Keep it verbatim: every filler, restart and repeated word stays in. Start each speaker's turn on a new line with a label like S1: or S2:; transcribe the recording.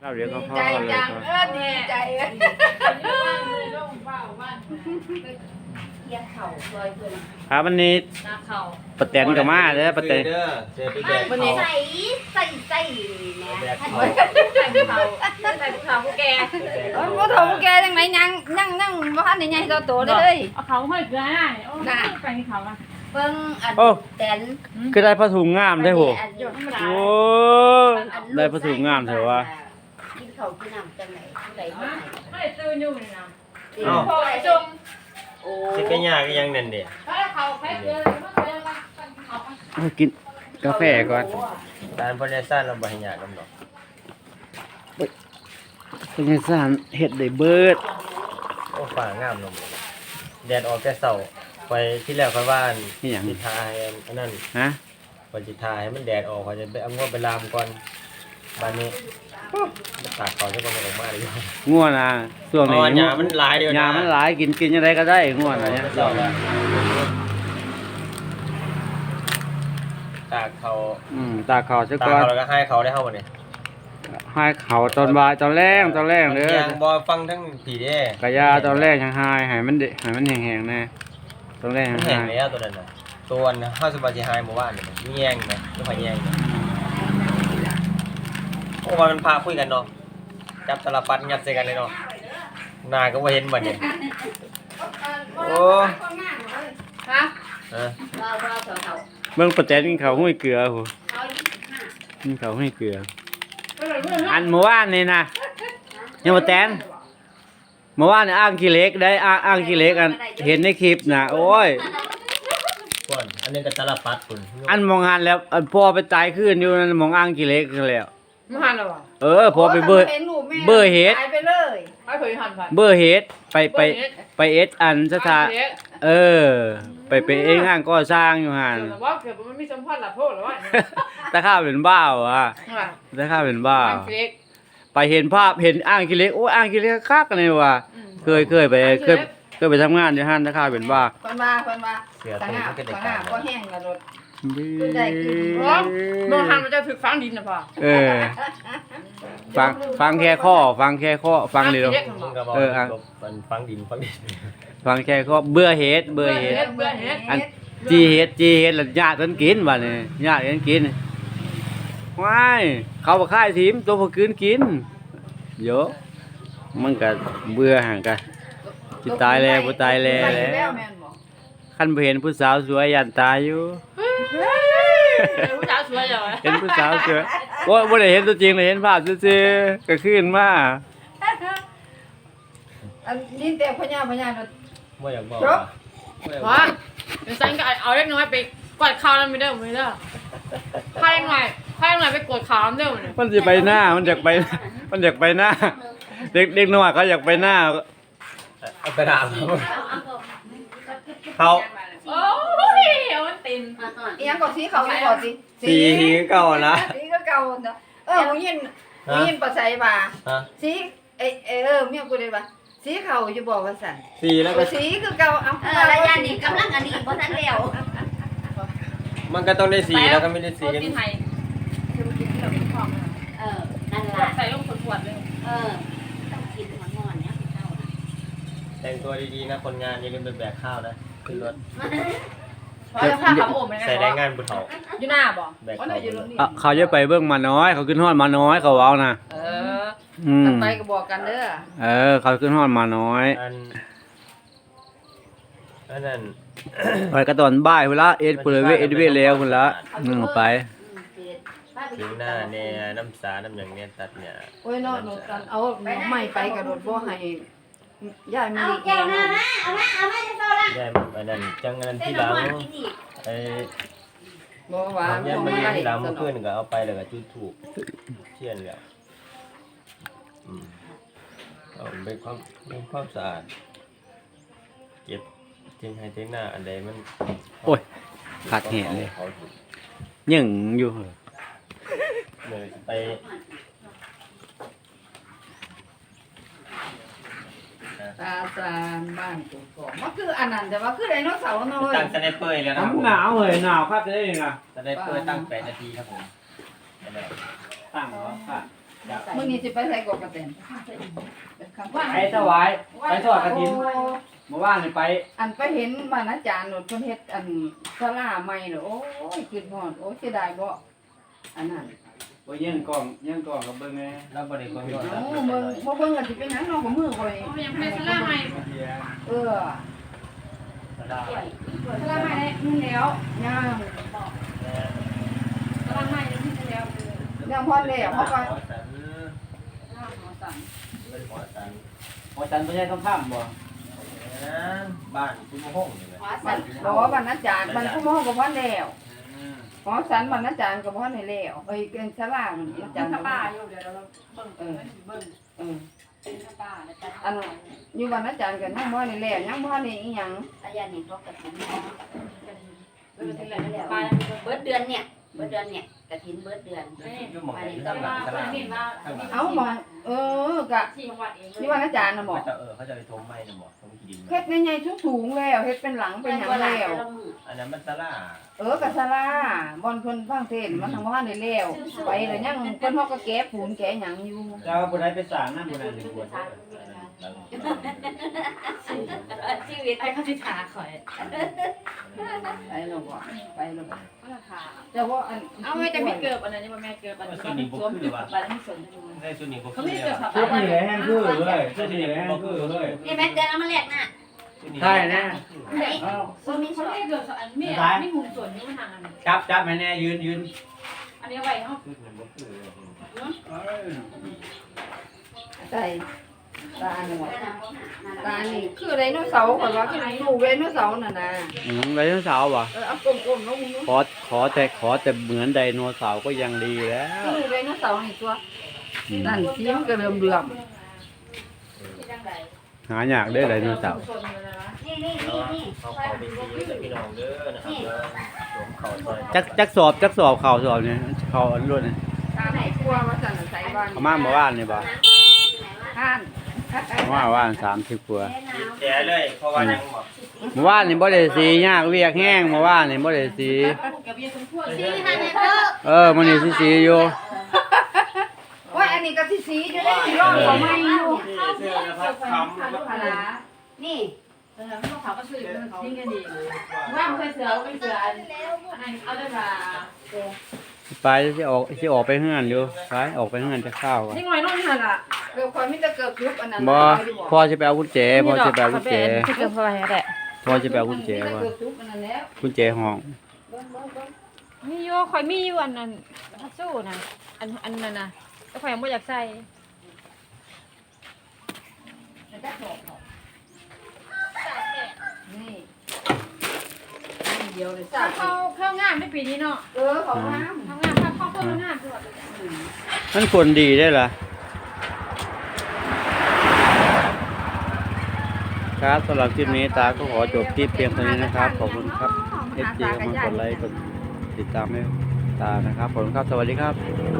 S1: ข้าวเดี๋ยวก็พ่อ
S2: ใจ
S1: เลย
S2: จังเออดีใจเลย
S3: เยี่ยเข่าซอยเพื่อน
S1: ครับวันนี้
S2: นาเข่า
S1: ปะแตนกับมาเด้อปะแตน
S4: เด้อเจอไปแดก
S3: วันนี้ใส่ใส่ใส่นะ
S4: แดก
S3: ท่าน
S4: เขา
S2: ใส่ภูเขาใส่ภูเขาผู้แก
S3: โอ้ยพ่อถงแกยังไงยังยังยังบ่ทันได้ใหญ่ตัวโตเลย
S2: เอาเขาให้เกลือได้โอ้ไปเขาอ่ะ
S3: เบิ่งอัน
S1: โอ้
S3: แตน
S1: คือได้ผ้าถุงงามได้โห
S3: หยดน้ำตา
S1: โอ้ได้ผ้าถุงงามเถอะวะ
S3: กินข้าวกินน้ำจังไหนผู้ใดบ่
S2: ไม่ตื่นอยู่เลยนะ
S3: ให้
S2: พอจม
S3: โอ้
S4: สิเป็นยากอีหยังนั่นเด้
S2: ถ้าเขาใส่เกลือมันเกลือมันเขา
S1: เอากินกาแฟก่อน
S4: ตานบ่ได้ซ่านเราบ่ให้ยากกันดอก
S1: เป็นไงสารเห็ดได้เบิด
S4: โอ้ฟ้างามเนาะแดดออกแต่เช้าไปที่แรกค่อยว่าสิทาให้อันนั้น
S1: ฮะ
S4: ว่าสิทาให้มันแดดออกเขาจะไปเอางวไปลามก่อนบัดนี้มันตากเขาจะบ่ออกมาเลย
S1: ง่วนนะช่วง
S4: อ๋
S1: นี้
S4: อหญ้ามันหลายเดียวนะ
S1: หญ้ามันหลายกินกินยังไงก็ได้ง่วนอะไรเนี่ย
S4: เจ้าละตากเขา
S1: อืมตาเขาซะ
S4: ตาก
S1: ก่อน
S4: เขาแล้วก็ให้เขาได้เฮาบ่เนี่ย
S1: ให้เขาตอนบ่ายตอนแรงตอนแรงเด้อ
S4: ยังบ่ฟังทั้งผีเด้
S1: กะยาตอนแรกยังหายให้มันเดให้มันแห้งๆแน่ตอนแรก
S4: มั
S1: ยั
S4: น
S1: ง
S4: แห้
S1: หาง ย
S4: แล้วตัวนั้นน่ะตัวน่ะเฮาสิบ่สิหายเมื่อวานนี่มีแยงไหมบ่ค่อยแยงเนี่ยโอ้ว่ามันพาคุยกันเนาะจับตลับปัดงัดใส่กันเลยเนาะหน้าก็บ่เห็นบัดเนี่ยโอ้
S2: ฮะ
S4: ฮะ
S3: เราเราเถอะเขา
S1: เบิ่งปะแตนกินข้าวห้วยเกลือโห
S3: เขายี่สิบห้า
S1: กินข้าวห้วยเกลือ อันเมื่อวานนี่นะยังปะแตนเมื่อวานนี่อ้างขี้เหล็กได้อ้างอ้างขี้เหล็กอันเห็นในคลิปน่ะโอ้ย
S4: ก่อนอันนี้ก็ตลับปัดคุณ
S1: อันมองหันแล้วอันพ่อไปตายขึ้นอยู่นั่นมองอ้างขี้เหล็กแล้ว
S2: ไม่หันหรอวะ
S1: เออพอไปเบอร์ เบอร์เฮ็ด
S3: หายไปเลย
S2: ไม่เคยหันผ่าน
S1: เบอร์เฮดไปไปไปเอสอันสถานเออ ไปไปเองงานก่อสร้างอยู่หั่น
S2: แต่ว่าเกิดมันมีสัมพันธ์หลับโทษหรือว่า
S1: ตาข้าเป็นบ้าวอ่ะตาข้าเป็นบ้า
S2: เล็ก
S1: ไปเห็นภาพเห็นอ้างขี้เหล็กโอ้อ้างขี้เหล็กคักกันเลยว่ะเคยเคยไปเคยเคยไปทำงานอยู่หั่นตาข้าเป็นบ้า
S3: คนมาคนมา
S4: เสือ
S3: ต่าง
S4: ตัว
S3: หา
S4: มันก็ได้
S3: ต่าง
S4: กา
S3: หาร ก็แห้งกระโดด
S2: ร้องโดนหันมันจะถึกฟังดินนะพ่อ
S1: เออฟังฟังแค่ข้อฟังแค่ข้อฟังเลย
S2: เล็ก
S4: มึงก็บอก
S1: เอออ่ะ
S4: มันฟังดินฟังดิน
S1: ฟังแค่ข้อเบื่อเฮดเบื่อเฮด
S2: เบื่อเฮ็ด
S1: อันจีเฮดจีเฮดแล้วญาติเพิ่นกินบัดนี้ญาติเพิ่นกินว้ายเขาบ่ค่ายทีมตัวบ่คืนกินโยมันก็เบื่อหั่นก็สิตายแล้วบ่ตายแล้วแหละคันบ่เห็นผู้สาวสวยยันตายอยู่
S2: ผู้สาวสวยเหรอ
S1: เห็นผู้สาวสวยโอ้ยบ่ได้เห็นตัวจริงเลยเห็นภาพซื่อๆก็ขึ้นมา
S3: อันนี้แต่พญาพญา
S4: ไม่อยากบอก
S3: จบ
S4: บ่อยากบอ
S2: ว่าก เดี๋ยวฉันก็เอาเล็กน้อยไปกดข่าวแล้วไม่ได้ไม่ได้พาเล็กน้อยพาเล็กน้อยไปกดข่าวแล้วเด้อเนี่ย
S1: มันสิไปหน้ามันอยากไปมันอยากไปหน้าเด็กเด็กน้อยเขาอยากไปหน้า
S4: เอาไปถามเขา
S2: โอ้ยเอามันติน
S3: อีหยังก็สีเขาอยู่บ่สิ
S4: สีหิงเก่านะ
S3: สีก็เก่าเนาะเออหูยินหูยินปัสไสบ่า
S4: ฮะ
S3: สีเอเออเมียกูได้บ่สีเขาอยู่บ่ว่าซั่น
S4: สีแล้วก็
S3: สีคือเก่าเอ้า
S5: เออระยะนี้กำลังอันนี้เพราะท่านแล้ว
S4: มันก็ต้องได้สีแล้วก็ไม่ได้สี
S2: โคตรที่ไทยคือมันกินที่เราเป็นของ
S5: เออ นั่น
S2: ขว
S5: ล่ะ
S2: ดใส่ลงขวดเลย
S5: เออ ต้องกินหัวงอนเนี่ยเข้านะ
S4: แต่งตัวดีๆนะคนงานอย่าลืมไปแบกข้าวนะขึ้นรถ
S2: เพราะจะพาขับโอ่งไป
S4: ใส่แรงงานบุญเถา
S2: อยู่หน้าบ่
S4: แบกข้าวขึ้นรถ
S1: อ่ะเขาจะไปเบิ่งมาน้อย เขาขึ้นฮอดมาน้อยเขาเว้านะ
S3: เออ
S1: อืม
S3: ไปก็บอกกันเด้อ
S1: เออเขาขึ้นฮอดมาน้อย
S4: อันอันนั้น
S1: ไปก็ตอนบ่ายพุ่นละเอ็ดพุ่นเลยเวเอ็ดเวแล้วพุ่นละนึงไป
S4: ผิวหน้าเนี่ยน้ำสาน้ำอย่างเนี้ยตัดเนี่ย
S3: โอ้ยเนาะหนูกันเอาใหม่ไปกระโดดบ่ให้ยายมี
S5: เอาแก้วหน้ามาเอามาเอามาจะโตละ
S4: แย่มันอันนั้นจังอันนั้น
S5: เต้น
S4: ที่ห
S5: ละ
S4: ลัง
S5: ครกินอีก
S4: ไอ้
S3: บ่ว่า
S4: แย่
S3: บ่
S4: มัน
S3: ได้
S4: ที่หลังเมื่อคืนก็เอาไปแล้วก็จุดถูกเทียนแล้วอืมเอาเป็นความเป็นความสะอาดเก็บทิ้งให้ทิ้งหน้าอันใดมัน
S1: โอ้ยขาดแหะเลย
S4: เขาถูก
S1: ยังอยู่
S4: เลยไป
S3: ตาซานบ้านกูก็มันคืออันนั้นแต่ว่าคือไดโนเสาร์เนาะเว้ย
S4: ตั้งสไนเปอร์แล้วนะครับผม
S1: หนาวเลยหนาวคักเลยนะ
S4: สไนเปอร์ตั้งแปดนาทีครับผม
S1: ตั้งแล้วค่ะ
S3: มื้อนี้สิไปใส่กบกระเต็นคำว่า
S1: ไปถวายไปทอดกฐินเมื่อวานนี่ไป
S3: อันไปเห็นบ้านอาจารย์โนดเพิ่นเฮ็ดอันศาลาใหม่เด้อโอ้ยคิดฮอดโอ้ยเสียดายบ่อันนั้น
S1: บ่ยื่นกล่องยื่นกล่องกับเบิ่งแม่
S4: แล้วบ่ได้เบิ่งยอด
S3: โอ้เบิ่งบ่เบิ่งก็สิเป็นหยังเนาะของมือข่อย
S2: เขายังไม่ได้สลาใหม่
S3: เออ
S4: สลา
S3: ศาลาใหม่ได้มันแล้วย่าง
S2: สลาใหม่ยังไม่ได้แล้ว
S3: ยังพอแล้วเขาก็
S4: ขอสัน
S3: สั่ง
S4: เป็นขอสัน
S1: พอจันบ่ใช่คำถามบ่
S4: นะบ้านคุณมะฮงนี่แหละ
S3: บ้านบ่บ้านอาจารย์บ้านผู้มองก็พอแล้วขอสันบ้านอาจารย์ก็บ่ทันได้แล้วเอ้ยเป็นศาลาอาจารย์
S2: ป้าอยู่เดี๋ยวเราเบิ่ง
S3: เออ
S2: เบิ่ง
S3: เออ
S2: ป้าแล้วกัน
S3: อันอยู่บ้านอาจารย์ก็ยังบ่ได้แล้วยังบ่ทันได้อีหยัง
S5: อาญานี่เขากระถิ่น
S2: เบิ่งที่ไหนแล้ว
S5: ป้า
S2: ป้า
S5: เบิดเดือนเนี่ยเบิดเดือนเนี่ยกระถิ่นเบิดเดือน
S4: อยู่หม่องไหน
S2: แต่
S4: ข้างหลั
S2: ว่าง
S4: ส
S2: เพิ่
S4: ลาน
S2: เห็นว่า
S3: เอ้ามองเออกะ
S2: ที่จังหวัดเอง
S3: อยู่บ้านอาจารย์น่ะบ่
S4: เขาจะเออเขาจะไปทมไม้น่ะบ่ทมขี้ดิน
S3: เฮ็ดใหญ่ๆสูงๆแล้วเฮ็ดเป็นหลังเป็นหยังแล้ว
S4: อันนั้นมันสลา
S3: เออกะศาลาบ่อนเพิ่นฟังเทศน์มันทางบ่ทันได้แล้วไปแล้วยังเพิ่นเฮาก็แก้ปูนแก้หยังอยู่
S1: เจ้าบ่ได้ไปสร้างนำบ่ได้สิบวช
S5: ชีวิต
S2: ไอ้ข้าสิขาข่อย
S3: ไปแล้วบ่ไปแล้วบ่
S2: ก็ราคา
S3: แต่ว่าอัน
S2: เอาไว้จะมีเกิบอันนั้นนี่บ่แม่เกิบอันนี้สวมจุดไปแล้วไม่สน
S4: ได้ส่วนนี้บ่
S2: เขา
S4: คือ
S2: ไม่ได้เกิบ
S4: แล้ว
S2: ผับ
S1: ชุดนี้แหละแห้งคือเลยชุดนี้แหละแห้งคือเลย
S5: นี่แม่เดือนเอามาแลกน่ะ
S1: ใช่นะ
S5: ไหน
S1: เอา
S5: บ่มี
S2: เขา
S5: ช่ว
S2: ไม่
S5: ย
S2: ได้เกิบอันไม่ไม่มุมส่วนนี้มันห่างกัน
S1: จับจับให้แน่ยืนยืน
S2: อันนี้ไว้เนาะ
S4: ชุดนี้บ่คือ
S1: เอ้ย
S3: ใส่ตาหนวดตานี่คือไดโนเสาร์ข่อยว่าคือลูกไดโนเสาร์น่ะนะ
S1: อืมไดโนเสาร์ว่ะ
S3: เออเอากลมๆเนาะมึง
S1: ขอขอแต่ขอแต่เหมือนไดโนเสาร์ก็ยังดีแล้ว
S3: คือไดโนเสาร์นี่ตัว
S1: อืม
S3: นั่นสีมันก็เริ่มๆ
S1: หายากเด้อไดโนเสาร์
S5: นี่นี่นี่นี่
S4: เขาเข้าไปซีกับพี่น้องเด้อนะครับเด้อสวมเข้าซอย
S1: จักจักสอบจักสอบเข่าสอบเนี่ยเข่าอันรุ่นเนี่ย
S3: ตาไหนกลัวว่าสั่นใส่บ้าน
S1: เอามาเมื่อวานนี่บ่
S3: ท่าน
S1: เอามาเมื่อวานสามสิบกว่า
S4: แจ๋เลยเพราะว่ายังบ่
S1: เมื่อวานนี่บ่ได้สียากเวียกแห้งเมื่อวานนี่บ่ได้สี
S5: ชี้ให้แม่เด้อ
S1: เออมื้อนี้สิสีอยู่
S3: โอ้ยอันนี้ก็สิสีอยู่ได้สิร้องบ่ไม่อยู่
S4: เสื้อนะครับคำ
S3: พลา
S5: นี่
S2: เออเขาเขาก็ซื้อมันทิ้งกันดีว่ามันเคยเสือไม่เสืออันอันเอาได้มา
S1: ไปสิออกสิออกไปเฮือนอยู่ไปออกไปเฮือนจะเข้าวก่อน
S2: นี่หน่อยน้องหันอ่ะ
S3: เกือบคนมีแต่เกือบยุบอันนั้น
S1: บ่พ่อสิไปเอากุญแจพ่อสิไปเอากุญแจ
S2: ที่เกิดเพราะอะไรแหละ
S1: พ่อสิไปเอากุญแจ
S3: มีแต่
S1: ว่า
S3: เกือบยุบอันนั้นแล้ว
S1: กุญแจห้อง
S2: มีอยู่คอยมีอยู่อันนั้นสู้นะอันอันนั้นนะแต่คอยยังไม่อยากใส่
S3: นี่เดียวเลย
S2: ถ้าเข้าเข้างานได้ปีนี้เนาะ
S3: เออของน้ำ
S2: ทำงานถ้าเข้าเข้างานตลอด
S1: มันคนดีได้ล่ะครับสำหรับคลิปนี้ตาก็ขอจบคลิปเพียงเท่านี้นะครับขอบคุณครับ เอฟ จี มากดไลค์กดติดตามให้ตานะครับขอบคุณครับสวัสดีครับ